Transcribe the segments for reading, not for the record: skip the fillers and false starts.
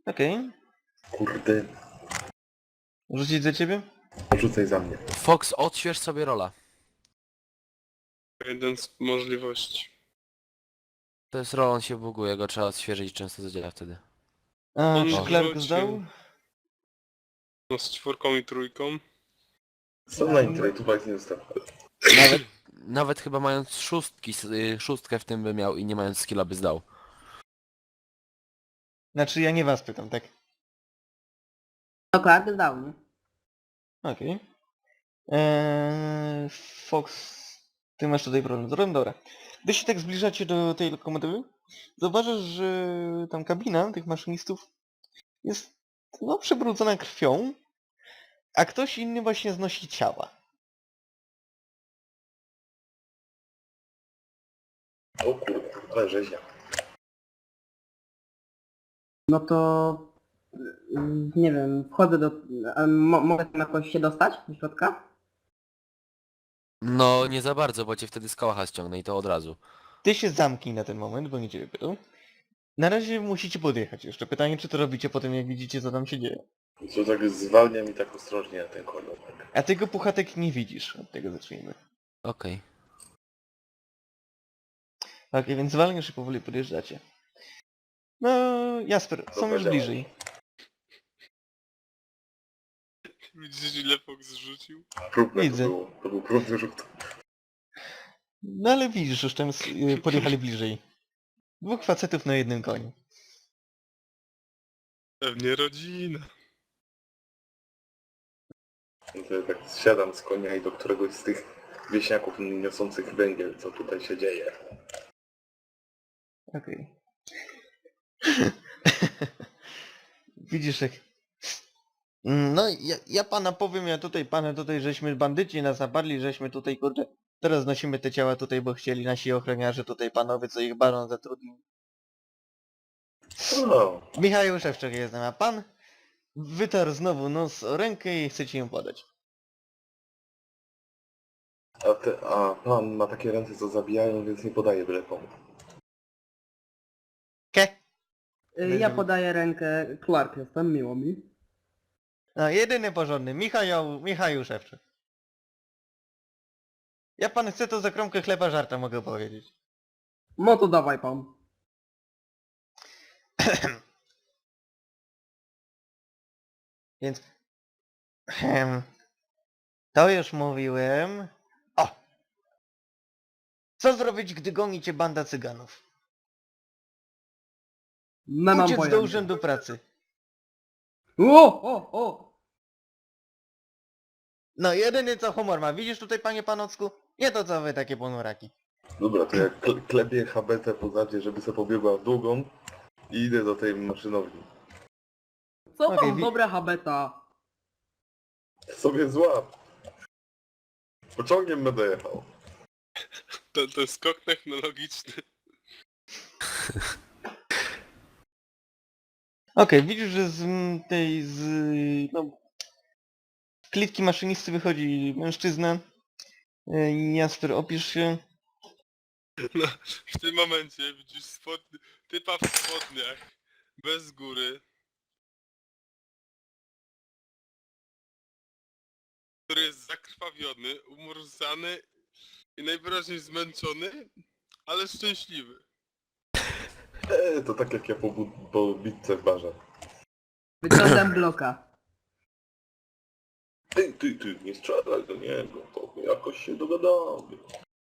Okej. Kurde, Rzucić za ciebie? rzucaj za mnie. Fox, odśwież sobie rola. Jeden z możliwości. To jest rola, on się buguje, go trzeba odświeżyć i często zadziała wtedy. A, On czy Clark rzucił. zdał? No z 4 i 3. Co na internetówach nie ustawę. Nawet chyba mając szóstkę w tym by miał i nie mając skilla by zdał. Znaczy ja nie was pytam, tak? No Clark zdał, nie? Okej. Fox, ty masz tutaj problem z rolem? Dobra. Gdy się tak zbliżacie do tej lokomotywy, zauważasz, że tam kabina tych maszynistów jest no przebrudzona krwią, a ktoś inny właśnie znosi ciała. O kurde, ale rzeźnia. No to... Nie wiem, wchodzę do... Mogę tam jakoś się dostać do środka? No nie za bardzo, bo cię wtedy z kałacha ściągnę i to od razu. Ty się zamknij na ten moment, bo nie ciebie pytał. Na razie musicie podjechać jeszcze. Pytanie, czy to robicie po tym, jak widzicie, co tam się dzieje. Co tak zwalnia mi tak ostrożnie na ten kolor. Tak. A tego puchatek nie widzisz. Od tego zacznijmy. Okej. Okej, więc zwalniasz i powoli podjeżdżacie. No, Jasper, są już Dobra, bliżej. Widzisz ile Fox zrzucił? Próbne Widzę. to było. To był próbny rzut. No ale widzisz, już tam podjechali bliżej. Dwóch facetów na jednym koniu. Pewnie rodzina. No to ja tak zsiadam z konia i do któregoś z tych wieśniaków niosących węgiel, co tutaj się dzieje. Okej. Widzisz jak... No, ja pana powiem, pana tutaj, żeśmy bandyci nas napadli, żeśmy tutaj, kurde... Teraz nosimy te ciała tutaj, bo chcieli nasi ochroniarze tutaj panowie, co ich baron zatrudnił. O, Michał Szewczak jest, a pan wytarł znowu nos o rękę i chcecie ją podać. a pan ma takie ręce, co zabijają, więc nie podaje byle komu. Ke? Ja podaję rękę, Clark jestem, miło mi. No, jedyny porządny, Michał Szewczak. Ja pan chcę, to za kromkę chleba żarta mogę powiedzieć. No to dawaj pan. Więc... To już mówiłem. O! Co zrobić, gdy goni cię banda cyganów? No mam Uciec do pojęcia. urzędu pracy. O! No jedyny co humor ma. Widzisz tutaj, panie Panocku? Nie to co wy takie ponuraki. Dobra, to ja klepię habetę po zadzie, żeby sobie pobiegła w długą i idę do tej maszynowni. Co Okej, pan dobra habeta? Sobie złap! Pociągiem będę jechał. To jest skok technologiczny. Okej, widzisz, że no, klitki maszynisty wychodzi mężczyzna. Jasper, opisz się. No, w tym momencie widzisz typa w spodniach. Bez góry. Który jest zakrwawiony, umorzany i najwyraźniej zmęczony, ale szczęśliwy. To tak jak ja po bitce w barze. Wyciągam bloka. Ty, nie strzelaj do niego, to jakoś się dogadamy.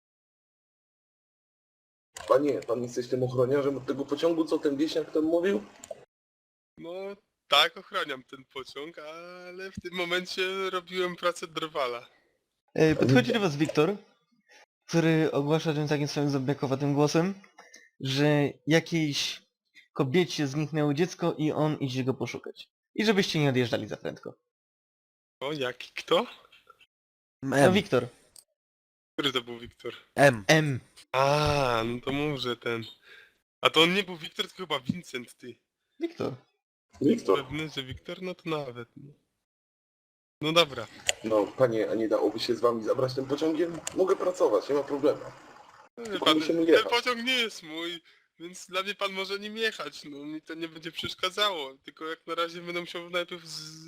Panie, pan jesteś tym ochroniarzem od tego pociągu, co ten wieśniak tam mówił? No tak, ochraniam ten pociąg, ale w tym momencie robiłem pracę drwala. Podchodzi do was Wiktor, który ogłasza tym takim swoim zombiakowatym głosem, że jakiejś kobiecie zniknęło dziecko i on idzie go poszukać. I żebyście nie odjeżdżali za prędko. O, jaki kto? No Wiktor. Który to był Wiktor? M. M. A, no to mów, że ten. A to on nie był Wiktor, tylko chyba Vincent, ty. Wiktor. Wiktor. Pewny, że Wiktor? No to nawet. No dobra. No, panie, a nie dałoby się z wami zabrać tym pociągiem? Mogę pracować, nie ma problemu. Wie Tylko pan, musimy ten jechać. pociąg nie jest mój. Więc dla mnie pan może nim jechać, no mi to nie będzie przeszkadzało. Tylko jak na razie będę musiał najpierw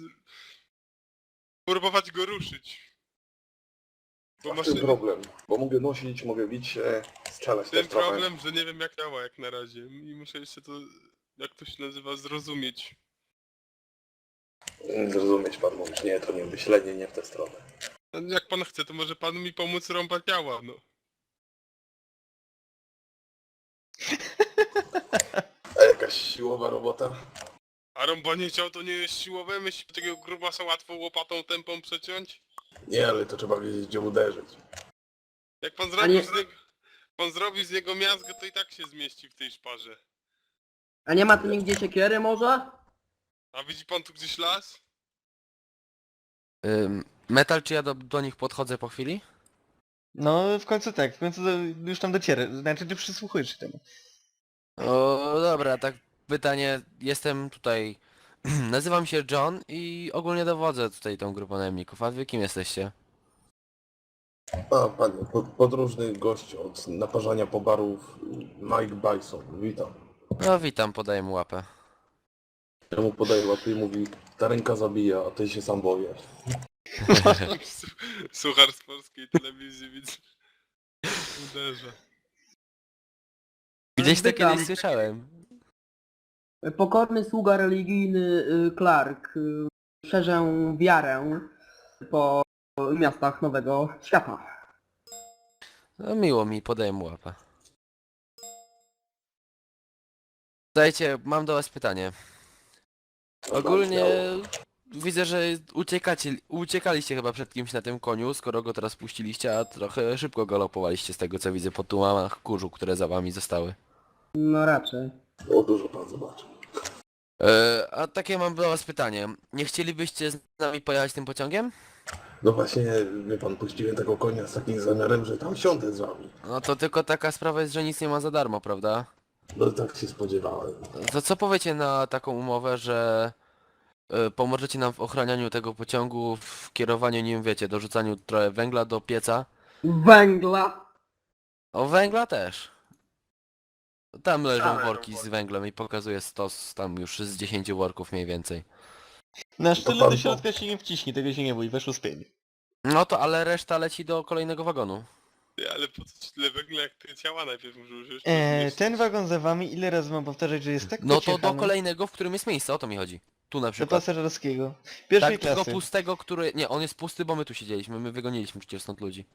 próbować go ruszyć. Bo A w tym problem, bo mogę nosić, mogę bić się, strzelać ten też trochę. problem, że nie wiem jak działa jak na razie. I muszę jeszcze to, jak to się nazywa, zrozumieć. Zrozumieć pan mówisz, nie, to nie myślenie, nie w tę stronę. No, jak pan chce, to może pan mi pomóc rąbać ciała, no. A jakaś siłowa robota? A rąbanie ciał to nie jest siłowe? Myśli, takiego grubasa łatwo łopatą tępą przeciąć? Nie, ale to trzeba wiedzieć, gdzie uderzyć. Jak pan A zrobił nie- z niego... Pan zrobi z niego miazgę, to i tak się zmieści w tej szparze. A nie ma tu nigdzie siekiery może? A widzi pan tu gdzieś las? Metal, czy ja do nich podchodzę po chwili? No w końcu tak, w końcu już tam docierę, znaczy ty przysłuchujesz się temu. O, dobra, tak pytanie, jestem tutaj, nazywam się John i ogólnie dowodzę tutaj tą grupą najemników, a wy kim jesteście? A, panie, podróżny gość od naparzania po barów Mike Bison, witam. No witam, podaję mu łapę. Ja mu podaję łapy i mówi, ta ręka zabija, a ty się sam boję. Suchar z polskiej telewizji, widzę. Uderza. Gdzieś to Witam. kiedyś słyszałem. Pokorny sługa religijny Clark. Szerzę wiarę po miastach Nowego Świata. No miło mi, podaję mu łapę. Słuchajcie, mam do was pytanie. Ogólnie widzę, że uciekaliście chyba przed kimś na tym koniu, skoro go teraz puściliście, a trochę szybko galopowaliście z tego co widzę po tłumach kurzu, które za wami zostały. No raczej. O, dużo pan zobaczy. A takie mam do was pytanie. Nie chcielibyście z nami pojechać tym pociągiem? No właśnie, wie pan, puściłem tego konia z takim zamiarem, że tam siądę z wami. No to tylko taka sprawa jest, że nic nie ma za darmo, prawda? No tak się spodziewałem. To co powiecie na taką umowę, że pomożecie nam w ochranianiu tego pociągu, w kierowaniu nim, wiecie, dorzucaniu trochę węgla do pieca? Węgla! O, węgla też. Tam leżą Same worki z węglem i pokazuje stos tam już z 10 worków mniej więcej. Na To sztyle pan do środka się nie wciśnie, tego się nie bój, weszło z 5. No to ale reszta leci do kolejnego wagonu. Ty, ale po co ci tyle węgla, jak te ciała najpierw muszę użyć? Ten wagon za wami, ile razy mam powtarzać, że jest tak No to do pociechany kolejnego, w którym jest miejsce, o to mi chodzi. Tu na do przykład. pasażerskiego. Pierwszej Tak, tego klasy. pustego, który... Nie, on jest pusty, bo my tu siedzieliśmy, my wygoniliśmy przecież stąd ludzi.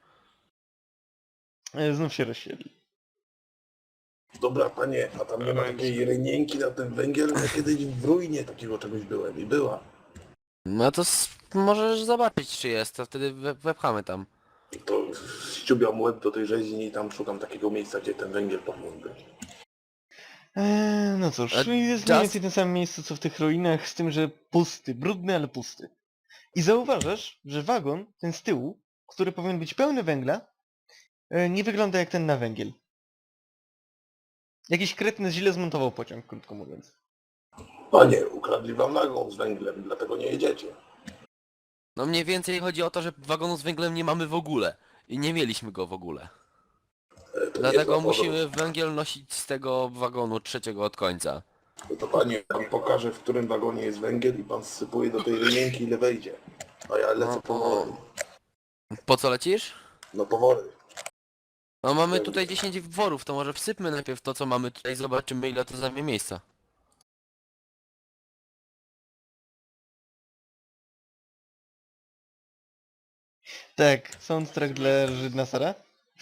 Znów się rozsiedli. Dobra, panie, a tam nie ma takiej rynienki na ten węgiel? Ja kiedyś w ruinie takiego czegoś byłem i była. No to możesz zobaczyć czy jest, to wtedy wepchamy tam. To ściubiam łeb do tej rzeźni i tam szukam takiego miejsca, gdzie ten węgiel powinien być. No cóż, A jest mniej więcej w tym samym miejscu co w tych ruinach, z tym, że pusty, brudny, ale pusty. I zauważasz, że wagon, ten z tyłu, który powinien być pełny węgla, nie wygląda jak ten na węgiel. Jakiś kretny źle zmontował pociąg, krótko mówiąc. Panie, ukradli wam wagon z węglem, dlatego nie jedziecie. No mniej więcej chodzi o to, że wagonu z węglem nie mamy w ogóle. I nie mieliśmy go w ogóle. To Dlatego niezła musimy węgiel nosić z tego wagonu trzeciego od końca. podróż. To panie, pan pokaże, w którym wagonie jest węgiel i pan sypuje do tej rynienki, ile wejdzie. A ja lecę No, powoli. Po co lecisz? No powoli. No mamy tutaj 10 worów, to może wsypmy najpierw to co mamy tutaj, zobaczymy ile to zajmie miejsca. Tak, soundtrack dla Żydna Sara.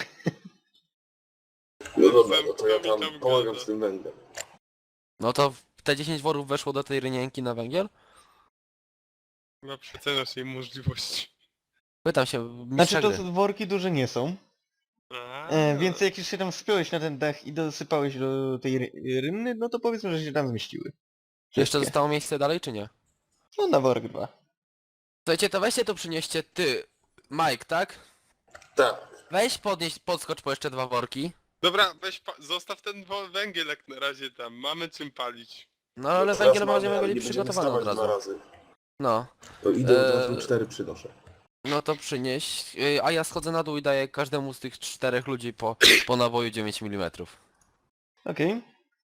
No dobra, no to ja Tam tam pomagam gada. z tym węglem. No to te 10 worów weszło do tej rynienki na węgiel? Chyba przeceniasz jej możliwości. Pytam się, Znaczy mistrza to gry. worki duże nie są. A, Więc jak już się tam wspiąłeś na ten dach i dosypałeś do tej rynny, no to powiedzmy, że się tam zmieściły. Jeszcze Wszystkie. zostało miejsce dalej czy nie? No na worek 2. Słuchajcie, to weźcie to przynieście ty, Mike, tak? Tak. Weź podskocz po jeszcze 2 worki. Dobra, weź zostaw ten węgiel jak na razie tam, mamy czym palić. No ale teraz węgiel mamy, będziemy ale mieli nie będziemy przygotowany od stawać 2 razu. razy. No, To idę od Eee, razu 4 przynoszę. no to przynieś, a ja schodzę na dół i daję każdemu z tych 4 ludzi po naboju 9 mm. Okej.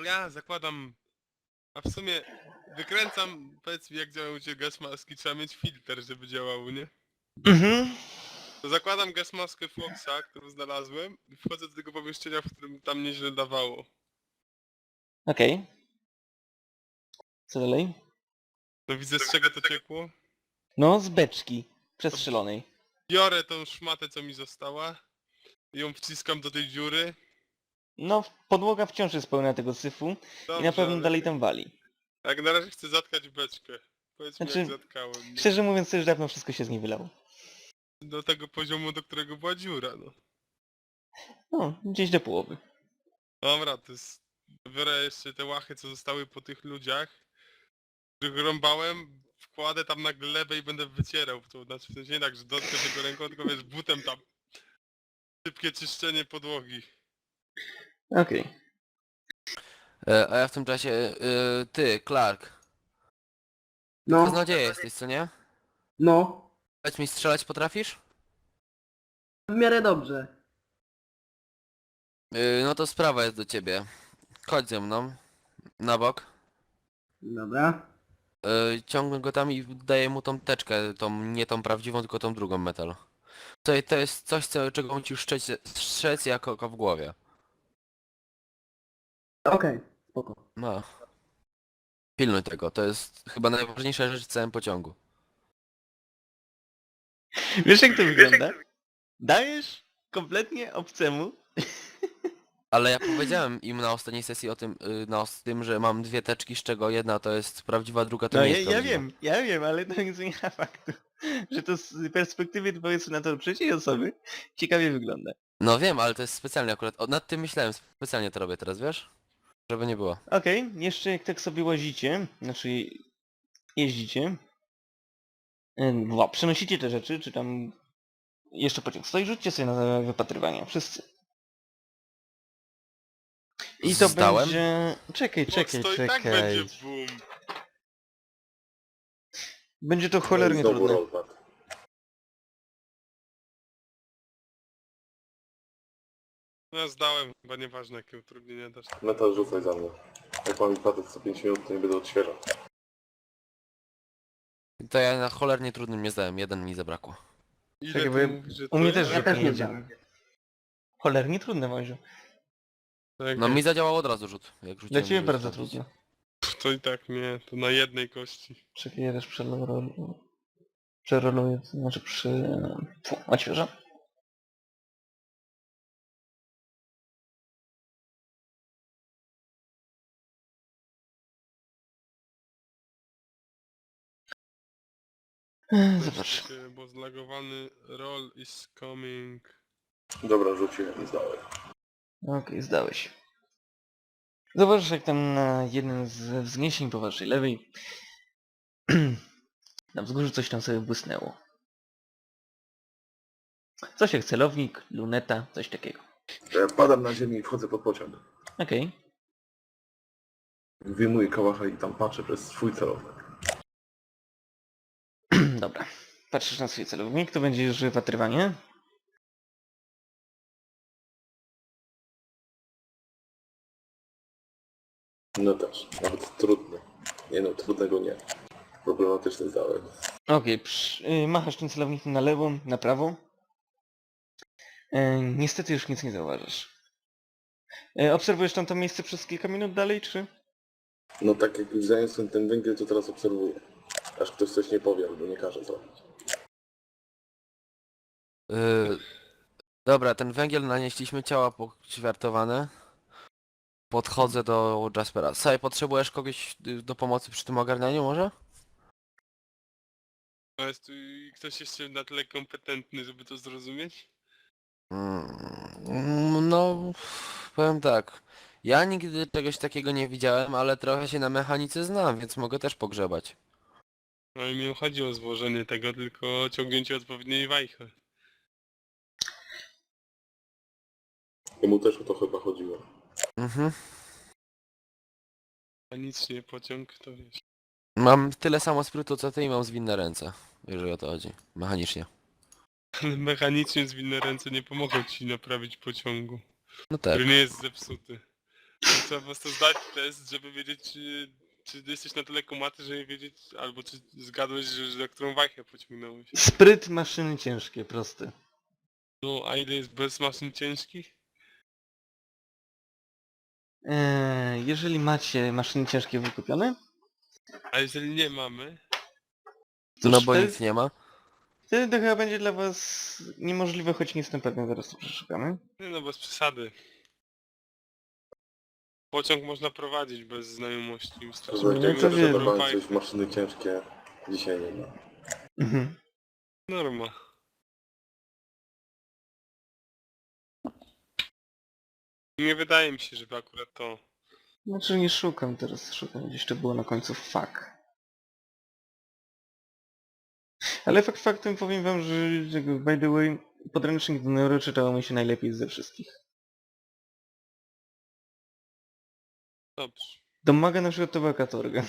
ja zakładam... A w sumie wykręcam, powiedz mi jak działają cię gasmaski, trzeba mieć filtr, żeby działało, nie? Mhm. To zakładam gasmaskę Foxa, którą znalazłem i wchodzę do tego pomieszczenia, w którym tam nieźle dawało. Okej. Co dalej? No widzę z czego to ciekło. No, z beczki. Przestrzelonej. Biorę tą szmatę co mi została i ją wciskam do tej dziury. No, podłoga wciąż jest pełna tego syfu i Dobrze, na pewno ale dalej tam wali. jak na razie chcę zatkać beczkę. Powiedz mi Znaczy, jak zatkałem. Nie? Szczerze mówiąc, to już dawno wszystko się z niej wylało. Do tego poziomu, do którego była dziura, no. No, gdzieś do połowy. Dobra, to jest... Biorę jeszcze te łachy, co zostały po tych ludziach, których rąbałem, wkładę tam na glebę i będę wycierał. To znaczy w sensie nie tak, że dotknę tego ręką, tylko wiesz, butem tam. Szybkie czyszczenie podłogi. Okej. A ja w tym czasie... ty, Clark. No, Kaznodzieja jesteś, co nie? no. Powiedz mi, strzelać potrafisz? W miarę dobrze. No to sprawa jest do ciebie. Chodź ze mną. Na bok. Dobra. Ciągnę go tam i daję mu tą teczkę, nie tą prawdziwą, tylko tą drugą metal. To jest coś, czego musi strzec jako oko w głowie. Okej, spoko. No. Pilnuj tego, to jest chyba najważniejsza rzecz w całym pociągu. Wiesz jak to wygląda? Dajesz kompletnie obcemu. Ale ja powiedziałem im na ostatniej sesji o tym, tym, że mam dwie teczki, z czego jedna to jest prawdziwa, druga to No nie ja, jest ja prawdziwa. wiem, ja wiem, ale to nie zmienia faktu, że to z perspektywy, powiedzmy na to trzeciej osoby, ciekawie wygląda. No wiem, ale to jest specjalnie akurat, nad tym myślałem, specjalnie to robię teraz, wiesz? Żeby nie było. Okej, jeszcze jak tak sobie łazicie, znaczy jeździcie, przenosicie te rzeczy, czy tam jeszcze pociąg stoi, rzućcie sobie na wypatrywanie, wszyscy. I to Zdałem? będzie... Czekaj, Fox, to i tak będzie boom. Będzie to No i cholernie znowu trudne. rollback. No ja zdałem, chyba nieważne jakie utrudnienia dasz. Metal rzucaj za mnie. Jak mam patent co 5 minut, to nie będę odświeżał. To ja na cholernie trudnym nie zdałem, jeden mi zabrakło. Ile Czekaj, ty bo ja- mówisz, że u mnie to też jest? Ja rzuty też nie jedziemy. Cholernie trudne, Moziu. Tak, No mi zadziałał od razu rzut, jak Dla rzuciłem. ciebie żeby bardzo sprawdzić. trudne. To i tak nie, to na jednej kości. Czekaj, ja też przeroluję, to znaczy odświeżam. Zobacz. Bo zlagowany roll is coming. Dobra, rzuciłem i zdałem. Okej, zdałeś. Zobacz, jak tam na jednym z wzniesień po waszej lewej na wzgórzu coś tam sobie błysnęło. Coś jak celownik, luneta, coś takiego. Ja padam na ziemię i wchodzę pod pociąg. Okej. Wyjmuję kałacha i tam patrzę przez swój celownik. Dobra. Patrzysz na swój celownik, to będzie już wypatrywanie. No też, nawet trudny. Nie no, trudnego nie. Problematyczny zdałem. Okej, machasz tym celownikiem na lewo, na prawo. Niestety już nic nie zauważasz. Obserwujesz tam to miejsce przez kilka minut dalej, czy? No tak jak już zaniosłem ten węgiel, to teraz obserwuję. Aż ktoś coś nie powie albo nie każe zrobić. Dobra, ten węgiel nanieśliśmy, ciała poćwiartowane. Podchodzę do Jaspera. Saj, potrzebujesz kogoś do pomocy przy tym ogarnianiu może? A jest tu ktoś jeszcze na tyle kompetentny, żeby to zrozumieć? No, powiem tak. Ja nigdy czegoś takiego nie widziałem, ale trochę się na mechanice znam, więc mogę też pogrzebać. No i mi chodzi o złożenie tego, tylko ciągnięcie odpowiedniej wajchy. Jemu też o to chyba chodziło. Mhm. A nic nie pociąg, to wiesz. Mam tyle samo sprytu co ty i mam zwinne ręce, jeżeli o to chodzi. Mechanicznie. Ale mechanicznie zwinne ręce nie pomogą ci naprawić pociągu, No tak. który nie jest zepsuty. Trzeba po prostu zdać test, żeby wiedzieć, czy jesteś na tyle kumaty, żeby wiedzieć, albo czy zgadłeś, że na którą wajchę pociągnąłeś. Spryt, maszyny ciężkie, prosty. No, a ile jest bez maszyn ciężkich? Jeżeli macie maszyny ciężkie wykupione, A jeżeli nie mamy? cóż, No bo wtedy, nic nie ma. wtedy to chyba będzie dla was niemożliwe, choć nie jestem pewien, zaraz to przeszukamy. Nie no, bez przesady. Pociąg można prowadzić bez znajomości. Wystarczy Że No, jak to zawsze wiem. na bank wajchę. coś maszyny ciężkie dzisiaj nie ma. Mhm. Norma. Nie wydaje mi się, żeby akurat to... Znaczy nie szukam teraz, szukam gdzieś to było na końcu fuck. Ale fakt faktem powiem wam, że by the way, podręcznik do Neuro czytało mi się najlepiej ze wszystkich. Dobrze. Domaga na przykład to była katorga.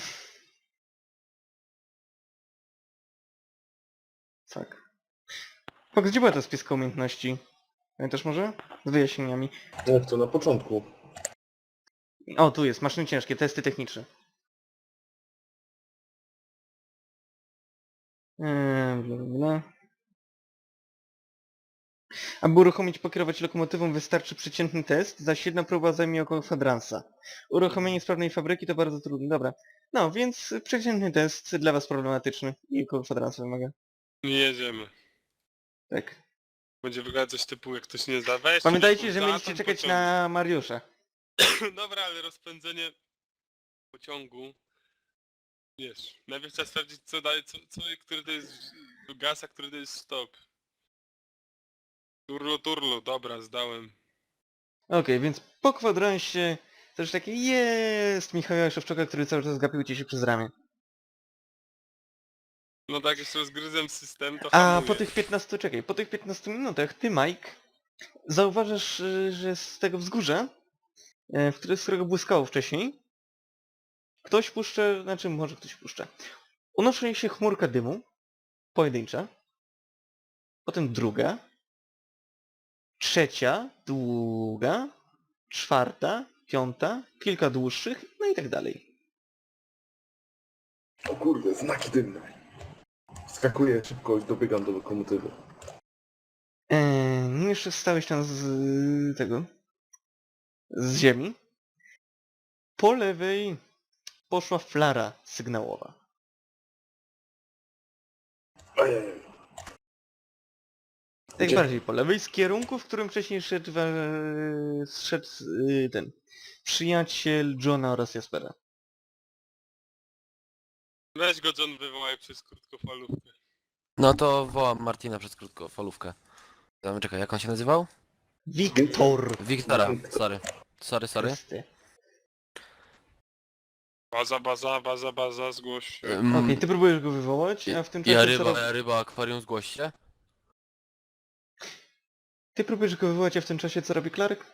Tak. Fox, gdzie była ta spiska umiejętności? Pamiętasz może? Z wyjaśnieniami. Jak to na początku? O, tu jest, maszyny ciężkie, testy techniczne. Bla, bla, bla. Aby uruchomić pokierować lokomotywą wystarczy przeciętny test, zaś jedna próba zajmie około kwadransa. Uruchomienie sprawnej fabryki to bardzo trudne, dobra. No, więc przeciętny test dla was problematyczny i około kwadransa wymaga. Nie jedziemy. Tak. Będzie wyglądać coś typu, jak ktoś nie zda. Weź, Pamiętajcie, że za mieliście ten czekać pociąg. na Mariusza. Dobra, ale rozpędzenie pociągu... Wiesz, najpierw trzeba sprawdzić, co daje, który to jest gaz, a który to jest stop. Turlo, dobra, zdałem. Okej, więc po kwadransie też takie jest Michała Szewczoka, który cały czas gapił ci się przez ramię. No tak, jeszcze rozgryzłem system, to A hamuję. po tych 15, czekaj, po tych 15 minutach ty, Mike, zauważasz, że z tego wzgórza, z którego błyskało wcześniej, ktoś puszcza, znaczy może ktoś puszcza. Unosi się chmurka dymu, pojedyncza, potem druga, trzecia, długa, czwarta, piąta, kilka dłuższych, no i tak dalej. O kurde, znaki dymne. Skakuję szybko i dobiegam do lokomotywy. Nim jeszcze stałeś tam z tego, z ziemi, po lewej poszła flara sygnałowa. Ojej. Tak Gdzie? bardziej po lewej, z kierunku, w którym wcześniej szedł ten przyjaciel Johna oraz Jaspera. Weź go John wywołaj przez krótkofalówkę. No to wołam Martina przez krótkofalówkę. Czekaj, jak on się nazywał? Wiktor! Wiktora, sorry. Chryste. Baza, zgłoś się. Okej, ty próbujesz go wywołać, a w tym czasie co rob... Ja ryba, akwarium, zgłoś się. Ty próbujesz go wywołać, a w tym czasie co robi Clark?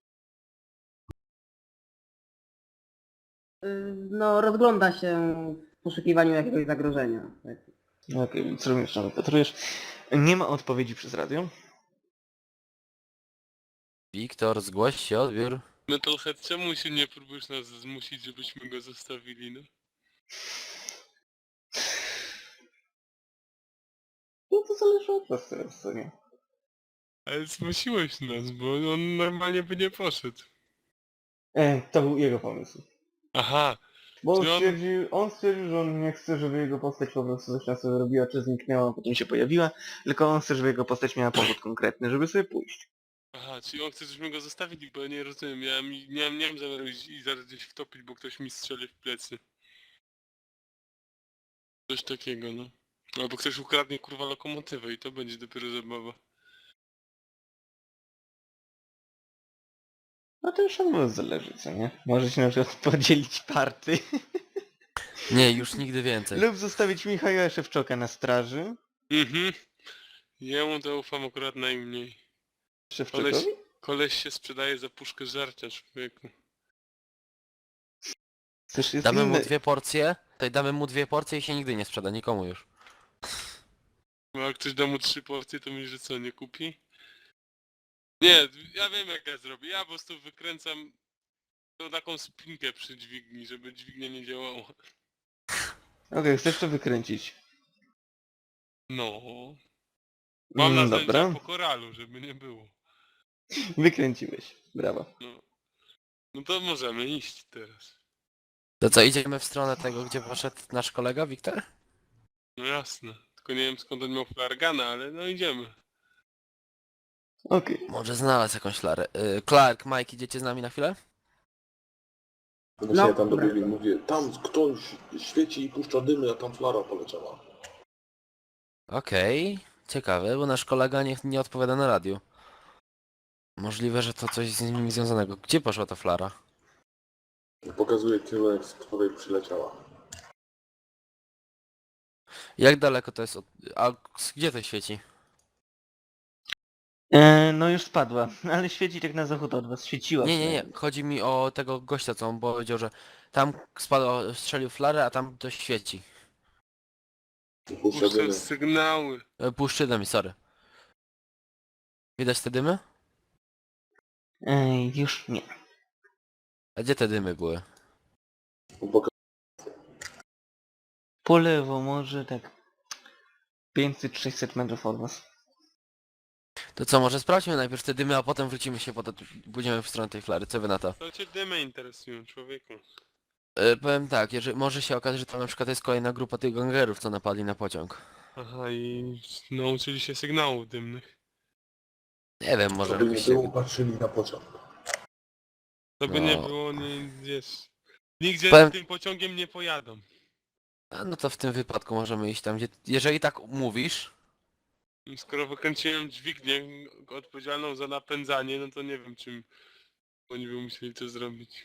No, rozgląda się w poszukiwaniu jakiegoś zagrożenia. Tak. Okej, co robisz tam? Patrujesz. Nie ma odpowiedzi przez radio. Wiktor, zgłoś się, odbiór. Metalhead, czemu się nie próbujesz nas zmusić, żebyśmy go zostawili, no? No to zależy od was teraz, co nie? Ale zmusiłeś nas, bo on normalnie by nie poszedł. To był jego pomysł. Aha, Bo Czy on- on stwierdził, że on nie chce, żeby jego postać po prostu coś tam sobie robiła, czy zniknęła, a potem się pojawiła, tylko on chce, żeby jego postać miała powód konkretny, żeby sobie pójść. czyli on chce, żebyśmy go zostawili, bo ja nie rozumiem, miałem zamiar iść i zaraz gdzieś wtopić, bo ktoś mi strzeli w plecy. Coś takiego, no. Albo ktoś ukradnie kurwa lokomotywę i to będzie dopiero zabawa. No to już od was zależy, co nie? Możecie na przykład podzielić party Nie, już nigdy więcej. lub zostawić Michała Szewczoka na straży. Mhm. Jemu to ufam akurat najmniej. Szewczokowi? Koleś się sprzedaje za puszkę żarcia, człowieku. Też jest Damy mu inny... 2 porcje, tutaj damy mu 2 porcje i się nigdy nie sprzeda, nikomu już. No jak ktoś da mu 3 porcje, to mi że co, nie kupi? Nie, ja wiem jak ja zrobię. Ja po prostu wykręcam To taką spinkę przy dźwigni, żeby dźwignia nie działała. Okej, chcesz to wykręcić. No. Mam narzędzia Dobra, po koralu, żeby nie było. wykręciłeś. Brawo. No to możemy iść teraz. To co, idziemy w stronę tego, gdzie poszedł nasz kolega Wiktor? No jasne. Tylko nie wiem skąd on miał flargana, ale no idziemy. Okej. Może znalazł jakąś flarę. Clark, Mike, idziecie z nami na chwilę? Właśnie ja tam dobra. dobiegłem, mówię, tam ktoś świeci i puszcza dymy, a tam flara poleciała. Okej, ciekawe, bo nasz kolega nie odpowiada na radiu. Możliwe, że to coś z nim związanego. Gdzie poszła ta flara? Pokazuje kierunek, z której przyleciała. Jak daleko to jest od... A gdzie to świeci? No już spadła, ale świeci tak na zachód od was. Świeciła Nie, nie, nie. przynajmniej. Chodzi mi o tego gościa, co on powiedział, że tam spadł, strzelił flarę, a tam to świeci. Puszcza dymy. Puszczę sygnały. Puszczy dymy, sorry. Widać te dymy? Już nie. A gdzie te dymy były? Po lewo może tak 500-600 metrów od was. To co, może sprawdźmy najpierw te dymy, a potem wrócimy się, pójdziemy w stronę tej flary. Co wy na to? To cię dymy interesują, człowieku. Powiem tak, jeżeli może się okazać, że tam na przykład jest kolejna grupa tych gangerów, co napadli na pociąg. Aha, i nauczyli się sygnałów dymnych. Nie wiem, może Żeby nie jakoś było, się... patrzyli na pociąg. To by nie No. było, nie, wiesz... Nigdzie Powiem- tym pociągiem nie pojadą. A no to w tym wypadku możemy iść tam, gdzie... Jeżeli tak mówisz, Skoro wykręciłem dźwignię odpowiedzialną za napędzanie, no to nie wiem czym oni by musieli to zrobić.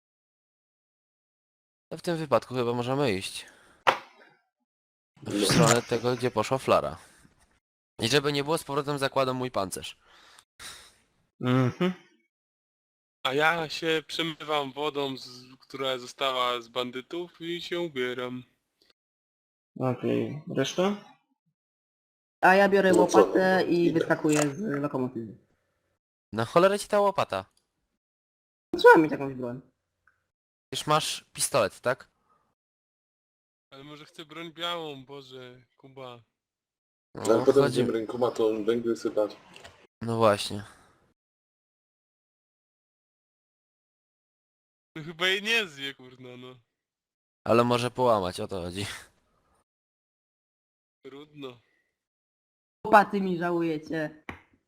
to w tym wypadku chyba możemy iść. W No. stronę tego, gdzie poszła flara. I żeby nie było, z powrotem zakładam mój pancerz. Mhm. A ja się przemywam wodą, która została z bandytów i się ubieram. Okej, reszta? A ja biorę No co, łopatę no, i idę. wyskakuję z lokomotywy. Na cholerę ci ta łopata. Trzeba mieć jakąś broń. Już masz pistolet, tak? Ale może chcę broń białą, Boże, Kuba. No, Ale potem chodzi... będziemy rękomatą węgiel sypać. No właśnie. No chyba jej nie zje, kurna, no. Ale może połamać, o to chodzi. Trudno. Łopaty mi żałujecie.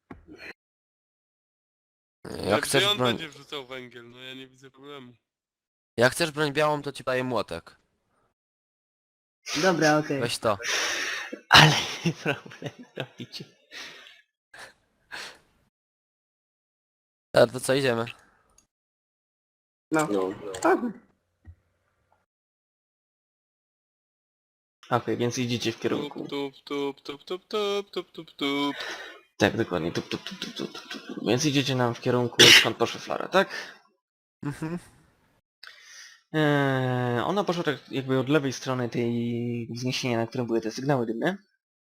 Ale Jak chcesz gdzie on broń... będzie wrzucał węgiel? No ja nie widzę problemu. Jak chcesz broń białą, to ci daję młotek. Dobra, okej. Weź to. Ale problem robicie. Dobra, to co, idziemy? No. No. Chodźmy. Okej, więc idziecie w kierunku. Tup, tup, tup, tup, tup, tup, tup, tup. Tak, dokładnie. Tup, tup, tup, tup, tup, tup, tup. Więc idziecie nam w kierunku, skąd poszła flara, tak? Mhm. Ona poszła tak jakby od lewej strony tej wzniesienia, na którym były te sygnały dymne.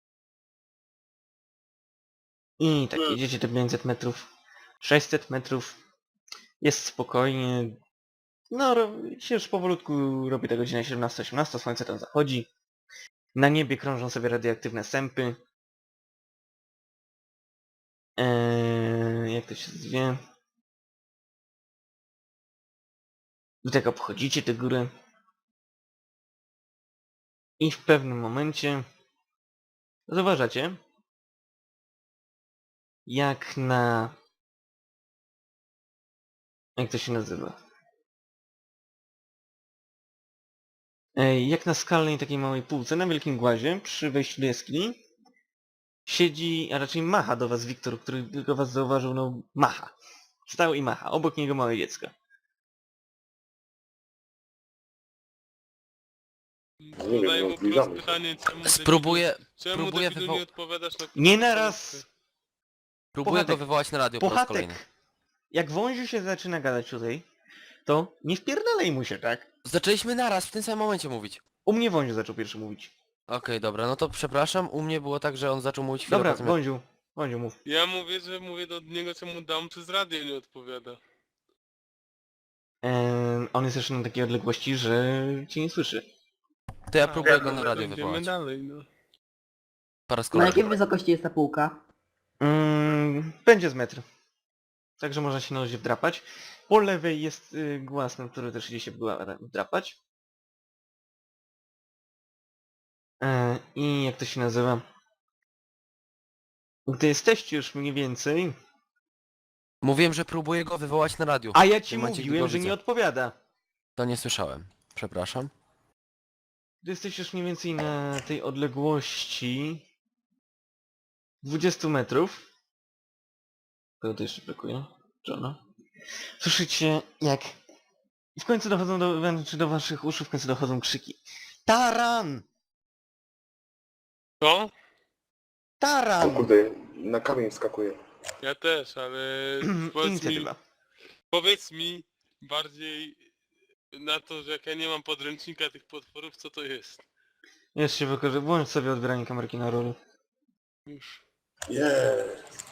I tak, jedziecie te 500 metrów, 600 metrów. Jest spokojnie. No, się już powolutku robi ta godzina 17-18, słońce tam zachodzi. Na niebie krążą sobie radioaktywne sępy. Jak to się zwie? Wy tak obchodzicie tę górę. I w pewnym momencie zauważacie, jak na... Jak to się nazywa? Jak na skalnej takiej małej półce, na wielkim głazie, przy wejściu do jaskini, siedzi, a raczej macha do was Wiktor, który tylko was zauważył, no macha. Stał i macha, obok niego małe dziecko. Zadaję no, mu zbliżamy proste się. pytanie, czemu Spróbuję, czemu spróbuję debilu nie odpowiadasz na Nie naraz! próbuję go Puchatek. wywołać na radio po raz kolejny. Puchatek! Jak wąziu się zaczyna gadać tutaj, to nie wpierdalaj mu się, tak? Zaczęliśmy naraz, w tym samym momencie mówić. U mnie wąziu zaczął pierwszy mówić. Okej, dobra, no to przepraszam, u mnie było tak, że on zaczął mówić chwilę Dobra, po tym, jak... wąziu mów. Ja mówię, że mówię do niego, czemu dam przez radio nie odpowiada. On jest jeszcze na takiej odległości, że cię nie słyszy. To ja A, próbuję dobra, go na to radio idziemy wywołać. dalej, no. Po raz Na kolejny. jakiej wysokości jest ta półka? Będzie z metr. Także można się na razie wdrapać. Po lewej jest głaz, na który też idzie się wdrapać. I jak to się nazywa? Gdy jesteście już mniej więcej... Mówiłem, że próbuję go wywołać na radio. A ja W ci tym momencie, gdy mówiłem, go że widzę. nie odpowiada. To nie słyszałem. Przepraszam. Gdy jesteście już mniej więcej na tej odległości... 20 metrów. Kogo to jeszcze brakuje? Johna. Słyszycie jak... W końcu dochodzą do waszych uszu, w końcu dochodzą krzyki. Taran! Co? O Taran! kurde, na kamień wskakuje. Ja też, ale Inicjatywa. powiedz mi bardziej na to, że jak ja nie mam podręcznika tych potworów, co to jest? Jeszcze się wykorzystaj. Włącz sobie odbieranie kamerki na rolu. Już. Jest.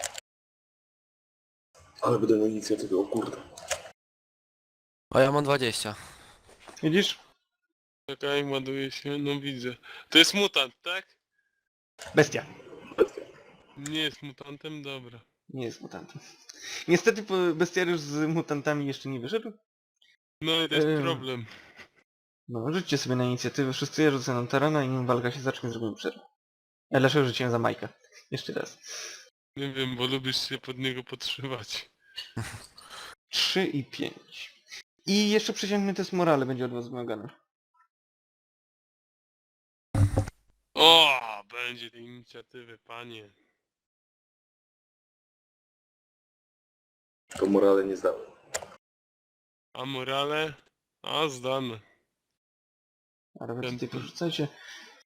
Ale będę miał inicjatywę, o kurde. O, ja mam 20. Widzisz? Czekaj, ładuje się, no widzę. To jest mutant, tak? Bestia. Nie jest mutantem, dobra. Nie jest mutantem. Niestety bestiariusz z mutantami jeszcze nie wyszedł. No i to jest Ehm. problem. No, rzućcie sobie na inicjatywę. Wszyscy ja rzucę na Tarana i nim walka się zacznie, zrobimy przerwę. Ja dlaczego rzuciłem za Majka? Jeszcze raz. Nie wiem, bo lubisz się pod niego podszywać. 3 i 5. I jeszcze przeciętny test morale będzie od was wymagany. O, będzie tej inicjatywy, panie. To morale nie zdałem. A morale? A, zdane. Ale wy Ten- tutaj porzucajcie.